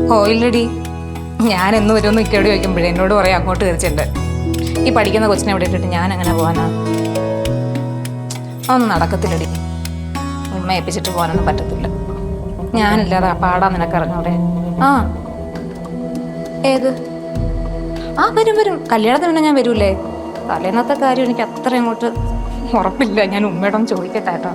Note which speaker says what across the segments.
Speaker 1: ഓ ഇല്ലടി, ഞാൻ എന്ന് വരുമെന്ന് ഇക്കയോട് ചോദിക്കുമ്പോഴേ എന്നോട് പറയാം അങ്ങോട്ട് കയറിച്ചിട്ടുണ്ട്. ഈ പഠിക്കുന്ന കൊച്ചിനെ എവിടെ ഇട്ടിട്ട് ഞാൻ എങ്ങനെ പോകാനാ? ഒന്നും നടക്കത്തില്ലടി. ഉമ്മ ഏൽപ്പിച്ചിട്ട് പോകാനൊന്നും പറ്റത്തില്ല. ഞാനില്ലാതെ പാടാ നിനക്ക് അറിഞ്ഞൂടെ? ആ ഏത്? ആ വരും വരും, കല്യാണത്തിന് പിന്നെ ഞാൻ വരൂലേ. തലേന്നത്തെ കാര്യം എനിക്ക് അത്ര അങ്ങോട്ട് ഉറപ്പില്ല. ഞാൻ ഉമ്മയോടൊന്ന് ചോദിക്കട്ടെ കേട്ടോ.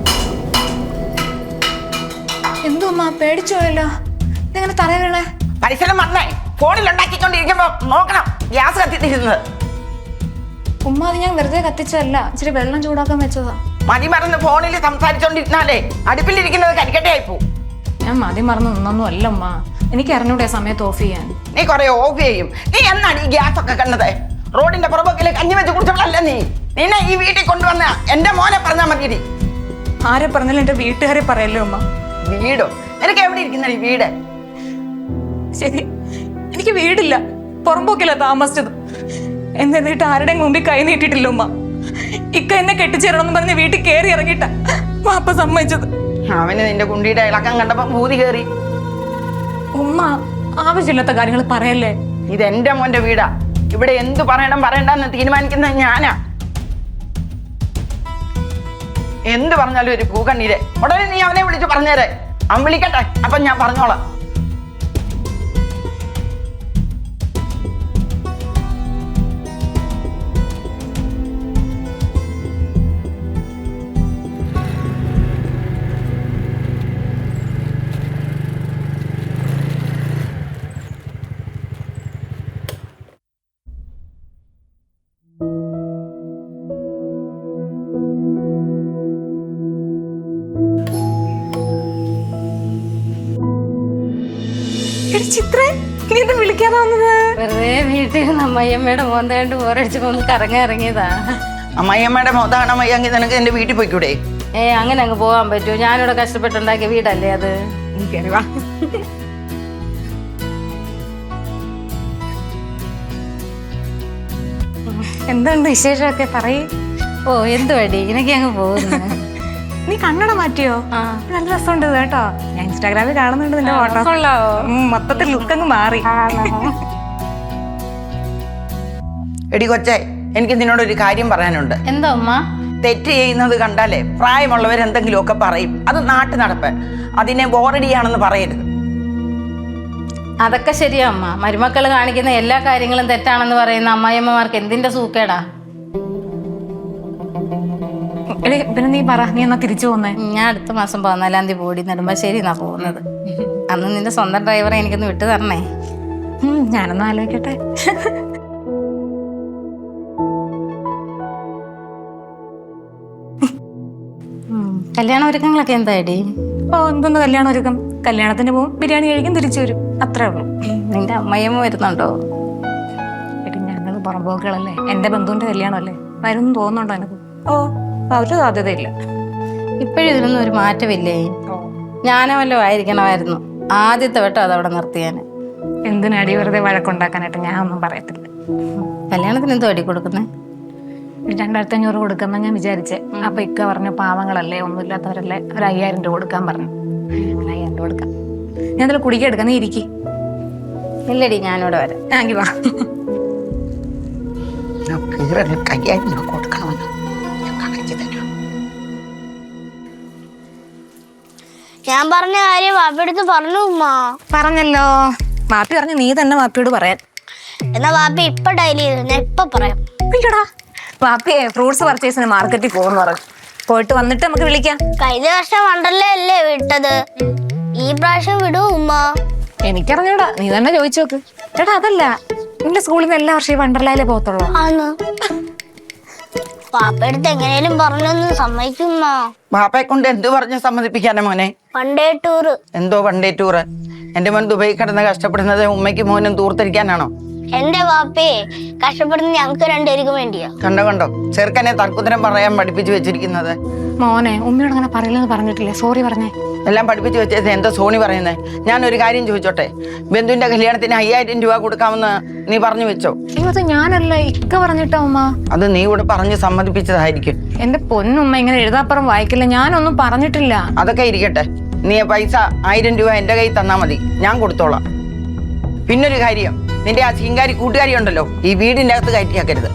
Speaker 1: എന്തോ ഉമ്മ പേടിച്ചു പോയല്ലോ, ഇതെങ്ങനെ തറ വീണേ?
Speaker 2: പരിസരം വന്നേ ഫോണിൽ ഉണ്ടാക്കിക്കൊണ്ടിരിക്കുമ്പോ നോക്കണം ഗ്യാസ് കത്തിത്തിരുന്നത്.
Speaker 1: ഉമ്മ അത് ഞാൻ വെറുതെ കത്തിച്ചതല്ല, ഇച്ചിരി വെള്ളം ചൂടാക്കാൻ വെച്ചതാ.
Speaker 2: മതി മറന്ന് ഫോണിൽ സംസാരിച്ചോണ്ടിരുന്നാലേ അടുപ്പിലിരിക്കുന്നത് കരിക്കട്ടയായി പോവും.
Speaker 1: ഞാൻ മതി മറന്ന് നിന്നൊന്നും അല്ല ഉമ്മ, എനിക്ക് അറിഞ്ഞൂടെ സമയത്ത് ഓഫ് ചെയ്യാൻ.
Speaker 2: നീ കൊറേ ഓഫ് ചെയ്യും. നീ എന്നാണ് ഈ ഗ്യാസ് ഒക്കെ കണ്ടത്? റോഡിന്റെ പുറമ്പോക്കില് കഞ്ഞി വെച്ച് കുടിച്ചവളല്ല നീ. നിന്നെ ഈ വീട്ടിൽ കൊണ്ടുവന്ന എന്റെ മോനെ പറഞ്ഞാൽ മതി.
Speaker 1: ആരെ പറഞ്ഞാലും എന്റെ വീട്ടുകാരെ പറയല്ലേ ഉമ്മ.
Speaker 2: വീടോ? നിനക്ക് എവിടെ ഇരിക്കുന്ന ഈ വീട്?
Speaker 1: ശരി, എനിക്ക് വീടില്ല, പുറമ്പോക്കില്ല താമസിച്ചത്. എന്നിട്ട് ആരുടെയും മുമ്പിൽ കൈ നീട്ടിട്ടില്ല ഉമ്മ. ഇക്ക എന്നെ കെട്ടിച്ചേരണമെന്ന് പറഞ്ഞ് വീട്ടിൽ കയറി ഇറങ്ങിയിട്ട വാപ്പ സമ്മതിച്ചത്.
Speaker 2: അവന് നിന്റെ കുണ്ടിയുടെ ഇളക്കം കണ്ടപ്പോ ഭൂതി കയറി.
Speaker 1: ഉമ്മ ആവശ്യമില്ലാത്ത കാര്യങ്ങൾ പറയല്ലേ.
Speaker 2: ഇത് എന്റെ മോന്റെ വീടാ. ഇവിടെ എന്തു പറയണം പറയണ്ടെന്ന് തീരുമാനിക്കുന്നത് ഞാനാ. എന്ത് പറഞ്ഞാലും ഒരു പൂക്കണ്ണീര്. ഉടനെ നീ അവനെ വിളിച്ച് പറഞ്ഞേരെ. അവൻ വിളിക്കട്ടെ, അപ്പൊ ഞാൻ പറഞ്ഞോളാം.
Speaker 1: ചിത്ര, നീ എന്താ വിളിക്കാതെ വന്നത്?
Speaker 3: വെറുതെ വീട്ടിൽ നിന്ന് അമ്മയമ്മയുടെ മോന്താണ്ട് ഓരടിച്ച് ഒന്ന് കറങ്ങാൻ ഇറങ്ങിയതാ.
Speaker 2: അമ്മയമ്മയുടെ മോതാണോ അമ്മയെങ്കിൽ നിനക്ക് എന്റെ വീട്ടിൽ പോയിക്കൂടെ?
Speaker 3: അങ്ങനെ അങ്ങ് പോകാൻ പറ്റുമോ? ഞാനിവിടെ കഷ്ടപ്പെട്ടുണ്ടാക്കിയ വീടല്ലേ അത്.
Speaker 1: എന്തുണ്ട് വിശേഷമൊക്കെ പറയ്.
Speaker 3: ഓ എന്ത് വടി, ഇങ്ങനെയൊക്കെ അങ്ങ് പോകുന്നു.
Speaker 1: നീ കണ്ണട മാറ്റിയോ? നല്ല രസമുണ്ട് കേട്ടോ. ഞാൻ ഇൻസ്റ്റാഗ്രാമിൽ കാണുന്നുണ്ട് നിന്റെ ഫോട്ടോ.
Speaker 3: കൊള്ളാവോ?
Speaker 1: മൊത്തത്തിൽ ലുക്ക് അങ്ങ് മാറി.
Speaker 2: എടി കൊച്ചേ, എനിക്ക് നിന്നോടൊരു കാര്യം പറയാനുണ്ട്.
Speaker 3: എന്താ ഉമ്മ?
Speaker 2: തെറ്റ് ചെയ്യുന്നത് കണ്ടാലേ പ്രായമുള്ളവർ എന്തെങ്കിലുമൊക്കെ പറയും. അത് നാട്ടു നടപ്പ്. അതിനെ ബോറടിയാണെന്ന് പറയരുത്.
Speaker 3: അതൊക്കെ ശരിയാ അമ്മ. മരുമക്കൾ കാണിക്കുന്ന എല്ലാ കാര്യങ്ങളും തെറ്റാണെന്ന് പറയുന്ന അമ്മായിയമ്മമാർക്ക് എന്തിന്റെ സൂക്കേടാ?
Speaker 1: പിന്നെ നീ പറ, നീ എന്നാ തിരിച്ചു പോന്നേ?
Speaker 3: ഞാൻ അടുത്ത മാസം 14-ാം തീയതി പോടി നെടുമ്പാശ്ശേരി എന്നാ പോകുന്നത്. അന്ന് നിന്റെ സ്വന്തം ഡ്രൈവറെ എനിക്കൊന്ന് വിട്ടു തരണേ.
Speaker 1: ഞാനൊന്ന് ആലോചിക്കട്ടെ.
Speaker 3: കല്യാണ ഒരുക്കങ്ങളൊക്കെ എന്തായടി?
Speaker 1: എന്തോന്ന് കല്യാണ ഒരുക്കം? കല്യാണത്തിന് പോവും, ബിരിയാണി കഴിക്കും, തിരിച്ചു വരും, അത്രേ ഉള്ളൂ.
Speaker 3: നിന്റെ അമ്മയമ്മ വരുന്നുണ്ടോ?
Speaker 1: എടി ഞങ്ങൾ പുറമ്പോക്കുകളല്ലേ, എന്റെ ബന്ധുവിന്റെ കല്യാണമല്ലേ, വരും തോന്നുന്നുണ്ടോ എനിക്ക്? ഒരു സാധ്യതയില്ല.
Speaker 3: ഇപ്പോഴും ഇതിനൊന്നും ഒരു മാറ്റമില്ലേ? ഞാനോ വല്ലോ ആയിരിക്കണമായിരുന്നു ആദ്യത്തെ വട്ടം അതവിടെ നിർത്തിയാന്.
Speaker 1: എന്തിനടി വെറുതെ വഴക്കുണ്ടാക്കാനായിട്ട്? ഞാൻ ഒന്നും പറയത്തില്ല.
Speaker 3: കല്യാണത്തിന് എന്തോ അടി കൊടുക്കുന്നേ?
Speaker 1: 2500 കൊടുക്കാമെന്നാ ഞാൻ വിചാരിച്ചേ. അപ്പൊ ഇക്ക പറഞ്ഞു പാവങ്ങളല്ലേ, ഒന്നുമില്ലാത്തവരല്ലേ, ഒരു 5000 രൂപ കൊടുക്കാൻ പറഞ്ഞു. 5000 രൂപ കൊടുക്കാം. ഞാൻ അതിൽ കുടിക്കാൻ എടുക്കാം, നീ ഇരിക്കി.
Speaker 3: ഇല്ലടി, ഞാനിവിടെ വരാം.
Speaker 1: ആങ്കി വാ.
Speaker 2: കൊടുക്കണമെന്ന്
Speaker 4: ഞാൻ പറഞ്ഞ കാര്യം വാപ്പിയെടുത്ത് പറഞ്ഞു ഉമ്മ.
Speaker 1: പറഞ്ഞല്ലോ. വാപ്പി പറഞ്ഞു നീ തന്നെ വാപ്പിയോട് പറയാൻ.
Speaker 4: എന്നാ വാപ്പി ഇപ്പൊ ഡയലി ചെയ്തു, ഞാൻ ഇപ്പൊ പറയാം.
Speaker 1: ഇല്ലടാ, വാപ്പിയെ ഫ്രൂട്ട്സ് പർച്ചേസിന് മാർക്കറ്റിൽ പോകുന്നു പറഞ്ഞു. പോയിട്ട് വന്നിട്ട് നമുക്ക് വിളിക്കാം.
Speaker 4: കഴിഞ്ഞ വർഷം വണ്ടർലേ അല്ലേ വിട്ടത്, ഈ പ്രാവശ്യം വിടൂ ഉമ്മ?
Speaker 1: എനിക്കറിഞ്ഞൂടാ, നീ തന്നെ ചോദിച്ചു നോക്ക്. ചേട്ടാ അതല്ല, നിന്റെ സ്കൂളിൽ നിന്ന് എല്ലാ വർഷവും വണ്ടർലയിലേ പോകത്തുള്ളൂ.
Speaker 4: പാപ്പടുത്ത് എങ്ങനെയും പറഞ്ഞൊന്ന് സമ്മതിക്കുമ്മ.
Speaker 2: ബാപ്പയെ കൊണ്ട് എന്ത് പറഞ്ഞ് സമ്മതിപ്പിക്കാനാ മോനെ?
Speaker 4: One day tour.
Speaker 2: എന്തോ വൺഡേ ടൂറ്? എന്റെ മോൻ ദുബായി കിടന്ന് കഷ്ടപ്പെടുന്നത് ഉമ്മയ്ക്ക് മോനും തൂർത്തിരിക്കാനാണോ?
Speaker 4: എന്റെ വാപ്പയെ കഷ്ടപ്പെടുന്ന ഞങ്ങൾക്ക് രണ്ടുപേർക്കും വേണ്ടിയാ.
Speaker 2: കണ്ടോ ചെറുക്കനെ തർക്കുത്തരം പറയാൻ പഠിപ്പിച്ചു വെച്ചിരിക്കുന്നത്.
Speaker 1: മോനെ, ഉമ്മയോട് അങ്ങനെ പറയില്ലെന്ന് പറഞ്ഞിട്ടില്ലേ? സോറി പറഞ്ഞേ.
Speaker 2: എല്ലാം പഠിപ്പിച്ചു വെച്ചത് എന്താ സോണി പറയുന്നത്? ഞാനൊരു കാര്യം ചോദിച്ചോട്ടെ, ബന്ധുവിന്റെ കല്യാണത്തിന് 5000 രൂപ കൊടുക്കാമെന്ന് നീ പറഞ്ഞു വെച്ചോ?
Speaker 1: അത് ഞാനല്ല, ഇക്ക പറഞ്ഞിട്ടാ ഉമ്മ.
Speaker 2: അത് നീ ഇവിടെ പറഞ്ഞ് സമ്മതിപ്പിച്ചതായിരിക്കും.
Speaker 1: എന്റെ പൊന്നുമ്മ ഇങ്ങനെ എഴുതാപ്പുറം വായിക്കില്ല, ഞാനൊന്നും പറഞ്ഞിട്ടില്ല.
Speaker 2: അതൊക്കെ ഇരിക്കട്ടെ, നീ പൈസ 1000 രൂപ എന്റെ കയ്യിൽ തന്നാ മതി, ഞാൻ കൊടുത്തോളാം. പിന്നൊരു കാര്യം, നിന്റെ ആ ശീങ്കാരി കൂട്ടുകാരി ഉണ്ടല്ലോ, ഈ വീടിൻ്റെ അകത്ത് കയറ്റിയാക്കരുത്.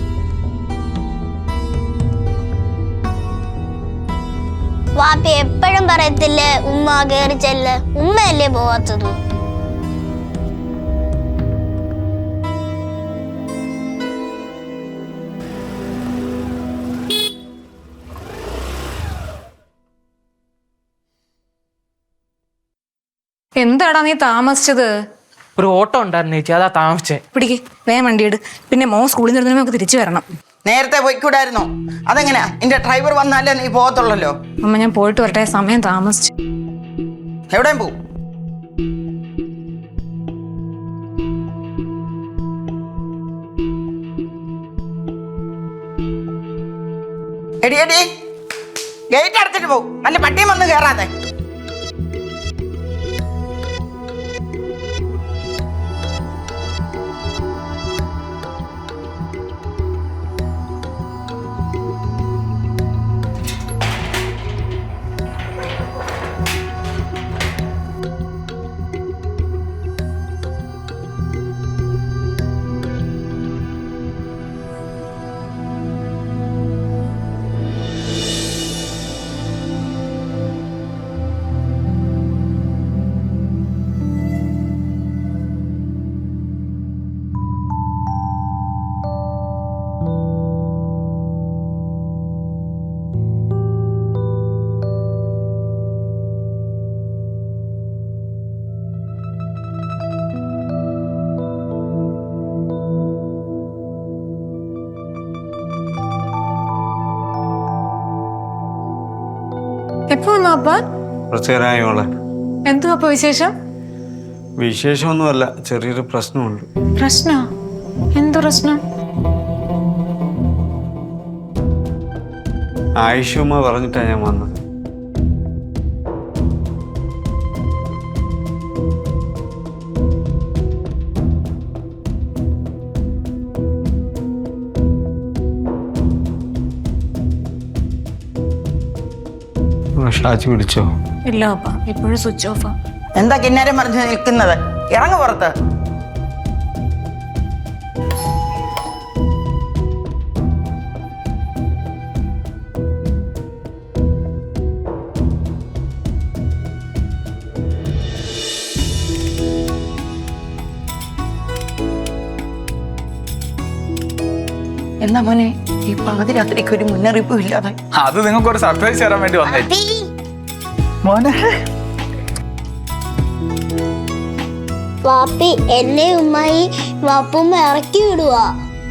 Speaker 4: വാപ്പി എപ്പോഴും പറയത്തില്ലേ ഉമ്മ കയറി ചെല്ല്, ഉമ്മയല്ലേ പോവാത്തത്.
Speaker 1: എന്താടാ നീ താമസിച്ചത്?
Speaker 5: ഒരു ഓട്ടോ ഉണ്ടായിരുന്നു ചേച്ചി, അതാ താമസിച്ചേ.
Speaker 1: പിടിക്ക്, വേഗം വണ്ടി എടു. പിന്നെ മോൻ സ്കൂളിൽ നിന്ന് നമുക്ക് തിരിച്ചു വരണം.
Speaker 2: നേരത്തെ പോയിക്കൂടായിരുന്നോ? അതെങ്ങനെയാ? നിന്റെ ഡ്രൈവർ വന്നാലേ നീ പോകത്തുള്ളല്ലോ.
Speaker 1: അമ്മ ഞാൻ പോയിട്ട് വരട്ടെ, സമയം താമസിച്ചു.
Speaker 2: എവിടെയും പോവും? എടി എടി, ഗേറ്റ് അടച്ചിട്ട് പോവും, അല്ല പട്ടിയും വന്ന് കയറാതെ.
Speaker 1: എപ്പോ വന്നു അപ്പ?
Speaker 6: കുറച്ചേരായോളെ.
Speaker 1: എന്തു അപ്പ വിശേഷം?
Speaker 6: വിശേഷമൊന്നുമല്ല, ചെറിയൊരു പ്രശ്നമുണ്ട്.
Speaker 1: പ്രശ്നോ? എന്തു പ്രശ്നം?
Speaker 6: ആയിഷുമ്മ പറഞ്ഞിട്ടാ ഞാൻ വന്നത്. ഷാജി വിളിച്ചോ?
Speaker 1: ഇല്ല അപ്പ, ഇപ്പോഴും സ്വിച്ച് ഓഫാ.
Speaker 2: എന്താ കിന്നാരം പറഞ്ഞ് നിൽക്കുന്നത്? ഇറങ്ങു പുറത്ത്. എന്നാ മോനെ, ഈ പാതിരാത്രിക്ക് ഒരു മുന്നറിയിപ്പും ഇല്ലാതെ?
Speaker 7: അത് നിങ്ങൾക്ക് ഒരു സർപ്രൈസ് തരാൻ വേണ്ടി വന്നേ
Speaker 4: വാപ്പി,
Speaker 7: മോനെ.
Speaker 4: വാപ്പി എന്നെ ഉമ്മായി വാപ്പുമ്മ ഇറക്കി വിടുവാ.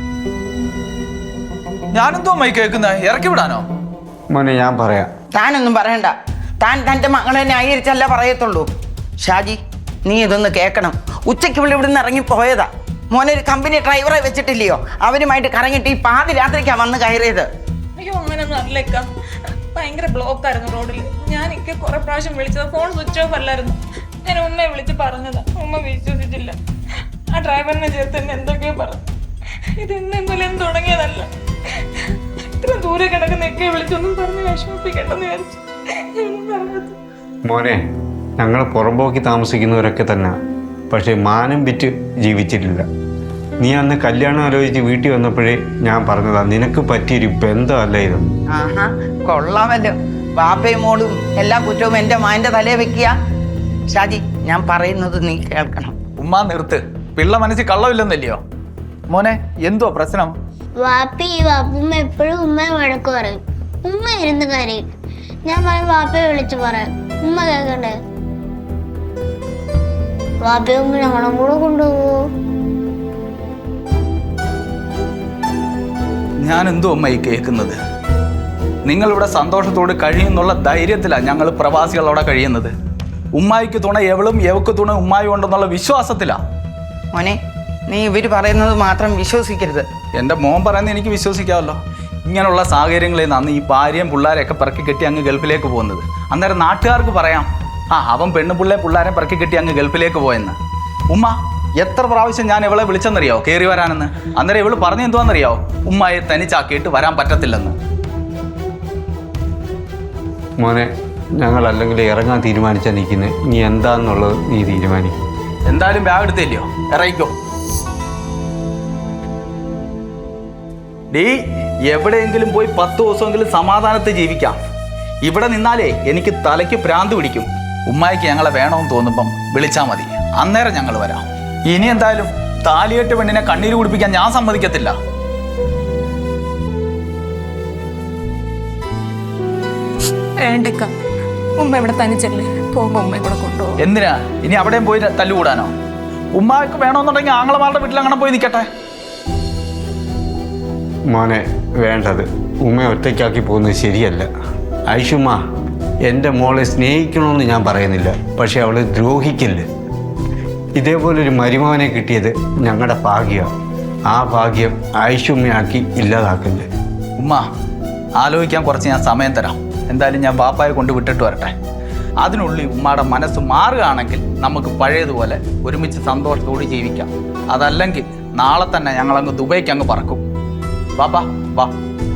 Speaker 7: ഞാനെന്തോ മൈ കേൾക്കുന്നത്? ഇറക്കി വിടാനോ?
Speaker 6: മോനെ ഞാൻ പറയാം.
Speaker 2: താനൊന്നും പറയണ്ട. താൻ തൻ്റെ മകളെ ന്യായീകരിച്ചല്ല പറയത്തുള്ളൂ. ഷാജി, നീ ഇതൊന്ന് കേൾക്കണം. ഉച്ചയ്ക്ക് ഇവിടുന്ന് ഇറങ്ങി പോയതാ. മോനൊരു കമ്പനി ഡ്രൈവറെ വെച്ചിട്ടില്ലയോ? അവരുമായിട്ട് കറങ്ങിയിട്ട് ഈ പാതിരാത്രിക്കാ വന്ന് കയറിയത്.
Speaker 8: അയ്യോ, അങ്ങനെയൊന്നും അല്ലേക്ക. ഭയങ്കര ബ്ലോക്ക് ആയിരുന്നു റോഡിൽ. ഞാൻ കുറെ പ്രാവശ്യം വിളിച്ചത്, ഫോൺ സ്വിച്ച് ഓഫ് അല്ലായിരുന്നു. ഞാൻ ഉമ്മയെ വിളിച്ച് പറഞ്ഞതാ, ഉമ്മ വിശ്വസിച്ചില്ല. ആ ഡ്രൈവറിനെ ചേർത്ത് എന്നെ എന്തൊക്കെയോ പറഞ്ഞു. ഇതെന്തെങ്കിലും തുടങ്ങിയതല്ല. ഇത്ര ദൂരെ കിടക്കുന്നൊക്കെ വിളിച്ചൊന്നും പറഞ്ഞ് വിഷമിപ്പിക്കണ്ടെന്ന് വിചാരിച്ചു. ഞാനൊന്നും പറഞ്ഞത്.
Speaker 6: മോനെ, ഞങ്ങൾ പുറമ്പോക്കി താമസിക്കുന്നവരൊക്കെ തന്നെ, പക്ഷെ മാനം വിറ്റ് ജീവിച്ചിട്ടില്ല. നീ അന്ന് കല്യാണം ആലോചിച്ച് വീട്ടിൽ വന്നപ്പോഴേ ഞാൻ പറഞ്ഞതാ, നിനക്ക് പറ്റിയൊരു ബന്ധമല്ല ഇത്.
Speaker 2: ആഹാ, കൊള്ളാമല്ലോ. ബാപ്പയും മോളും എല്ലാ കുറ്റവും എൻ്റെ മാൻ്റെ തലയെ വെക്കുക. ഷാജി, ഞാൻ പറയുന്നത് നീ കേൾക്കണം.
Speaker 7: ഉമ്മ നിർത്ത്. പിള്ള മനസ്സിൽ കള്ളമില്ലെന്നല്ലയോ? മോനെ, എന്തോ പ്രശ്നം?
Speaker 4: വാപ്പി വാപ്പുമ്മ എപ്പോഴും ഉമ്മയെ വഴക്ക് പറയും. ഉമ്മ ഇരുന്ന് കരയും. ഞാൻ പറയും വാപ്പയെ വിളിച്ചു പറയാം. ഉമ്മ കേൾക്കണ്ടേ? വാപ്പയെ ഉമ്മ ഞങ്ങളും കൂടെ കൊണ്ടുപോകൂ.
Speaker 7: ഞാൻ എന്തോ അമ്മ ഈ കേൾക്കുന്നത്? നിങ്ങളിവിടെ സന്തോഷത്തോട് കഴിയുന്നുള്ള ധൈര്യത്തിലാണ് ഞങ്ങൾ പ്രവാസികൾ അവിടെ കഴിയുന്നത്. ഉമ്മായിക്ക് തുണ എവളും എവക്ക് തുണ ഉമ്മായി ഉണ്ടെന്നുള്ള വിശ്വാസത്തിലാണ്.
Speaker 2: മോനെ, നീ ഇവർ പറയുന്നത് മാത്രം വിശ്വസിക്കരുത്.
Speaker 7: എൻ്റെ മോൻ പറയുന്നത് എനിക്ക് വിശ്വസിക്കാമല്ലോ. ഇങ്ങനെയുള്ള സാഹചര്യങ്ങളിൽ നിന്നാണ് ഈ ഭാര്യയും പിള്ളേരെയൊക്കെ പിറക്കി കെട്ടി അങ്ങ് ഗൾഫിലേക്ക് പോകുന്നത്. അന്നേരം നാട്ടുകാർക്ക് പറയാം, അവൻ പിള്ളേരെ പിറക്കി കെട്ടി അങ്ങ് ഗൾഫിലേക്ക് പോയെന്ന്. ഉമ്മ എത്ര പ്രാവശ്യം ഞാൻ ഇവളെ വിളിച്ചെന്നറിയാവോ കയറി വരാനെന്ന്? അന്നേരം ഇവള് പറഞ്ഞു എന്തുവാന്നറിയാവോ? ഉമ്മയെ തനിച്ചാക്കിയിട്ട് വരാൻ പറ്റത്തില്ലെന്ന്.
Speaker 6: മോനെ, ഞങ്ങൾ അല്ലെങ്കിൽ ഇറങ്ങാൻ തീരുമാനിച്ചാൽ നിൽക്കുന്നത്. നീ എന്താന്നുള്ളത് നീ തീരുമാനിക്കും.
Speaker 7: എന്തായാലും ബാഗ് എടുത്തില്ലയോ, ഇറങ്ങിക്കോ. ഡീ, എവിടെയെങ്കിലും പോയി 10 ദിവസമെങ്കിലും സമാധാനത്തിൽ ജീവിക്കാം. ഇവിടെ നിന്നാലേ എനിക്ക് തലയ്ക്ക് ഭ്രാന്ത് പിടിക്കും. ഉമ്മായിക്ക് ഞങ്ങളെ വേണമെന്ന് തോന്നുമ്പം വിളിച്ചാൽ മതി, അന്നേരം ഞങ്ങൾ വരാം. ഇനി എന്തായാലും താലികെട്ട് പെണ്ണിനെ കണ്ണീര് കുടിപ്പിക്കാൻ ഞാൻ സമ്മതിക്കത്തില്ല.
Speaker 8: വേണ്ടക്ക, ഉമ്മ ഇവിടെ തനിച്ചല്ലേ, പോകുമ്പോ ഉമ്മയെ കൂടെ കൊണ്ടുപോകും.
Speaker 7: എന്തിനാ ഇനി അവിടെയും പോയി തല്ലുകൂടാനോ? ഉമ്മാക്ക് വേണമെന്നുണ്ടെങ്കിൽ ആങ്ങളമാരുടെ വീട്ടിൽ അങ്ങനെ പോയി നിൽക്കട്ടെ.
Speaker 6: മോനെ വേണ്ടത്, ഉമ്മയെ ഒറ്റയ്ക്കാക്കി പോകുന്നത് ശരിയല്ല. ഐഷുമ്മ എൻ്റെ മോളെ സ്നേഹിക്കണമെന്ന് ഞാൻ പറയുന്നില്ല, പക്ഷെ അവൾ ദ്രോഹിക്കില്ല. ഇതേപോലൊരു മരുമകനെ കിട്ടിയത് ഞങ്ങളുടെ ഭാഗ്യമാണ്. ആ ഭാഗ്യം ഐഷുമ്മയാക്കി ഇല്ലാതാക്കില്ല.
Speaker 7: ഉമ്മ ആലോചിക്കാൻ കുറച്ച് ഞാൻ സമയം തരാം. എന്തായാലും ഞാൻ ബാപ്പായെ കൊണ്ട് വിട്ടിട്ട് വരട്ടെ. അതിനുള്ളിൽ ഉമ്മയുടെ മനസ്സ് മാറുകയാണെങ്കിൽ നമുക്ക് പഴയതുപോലെ ഒരുമിച്ച് സന്തോഷത്തോടെ ജീവിക്കാം. അതല്ലെങ്കിൽ നാളെ തന്നെ ഞങ്ങളങ്ങ് ദുബൈക്ക് അങ്ങ് പറക്കും. ബാപ്പാ വാ.